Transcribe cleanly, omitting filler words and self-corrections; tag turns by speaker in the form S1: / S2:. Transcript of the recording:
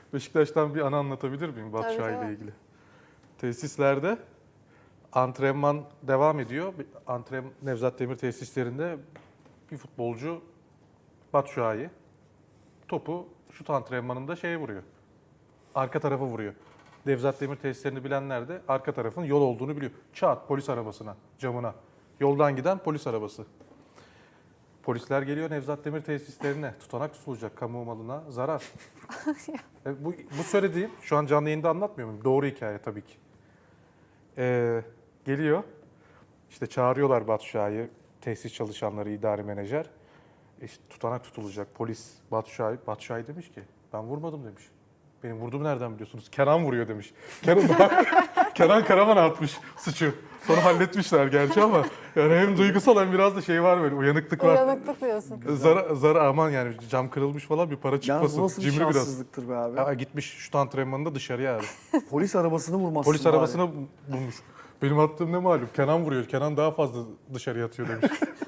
S1: Beşiktaş'tan bir anı anlatabilir miyim Batu Şahin ile ilgili? Tesislerde antrenman devam ediyor. Nevzat Demir tesislerinde bir futbolcu Batu Şahin topu şut antrenmanında şeye vuruyor. Arka tarafa vuruyor. Nevzat Demir tesislerini bilenler de arka tarafın yol olduğunu biliyor. Çat polis arabasına, camına. Yoldan giden polis arabası. Polisler geliyor Nevzat Demir tesislerine. Tutanak tutulacak, kamu malına zarar. Bu söylediğim, şu an canlı yayında anlatmıyor muyum? Doğru hikaye tabii ki. Geliyor, işte çağırıyorlar Batu Şahin'i, tesis çalışanları, idari menajer. İşte tutanak tutulacak, polis Batu Şahin demiş ki, ben vurmadım demiş. Benim vurduğumu nereden biliyorsunuz? Kenan vuruyor demiş. Kenan Karaman atmış suçu. Sonra halletmişler gerçi ama yani hem duygusal hem biraz da şey var böyle, uyanıklık var.
S2: Uyanıklık diyorsun.
S1: Zara aman yani cam kırılmış falan bir para
S3: Yalnız
S1: çıkmasın.
S3: bu nasıl bir
S1: Cimri biraz.
S3: şanssızlıktır be abi.
S1: Ha, gitmiş şut antrenmanında dışarıya abi.
S3: Polis arabasını vurmazsın
S1: Polis
S3: bari.
S1: arabasına bulmuş. Benim attığım ne malum? Kenan vuruyor. Kenan daha fazla dışarıya atıyor demiş.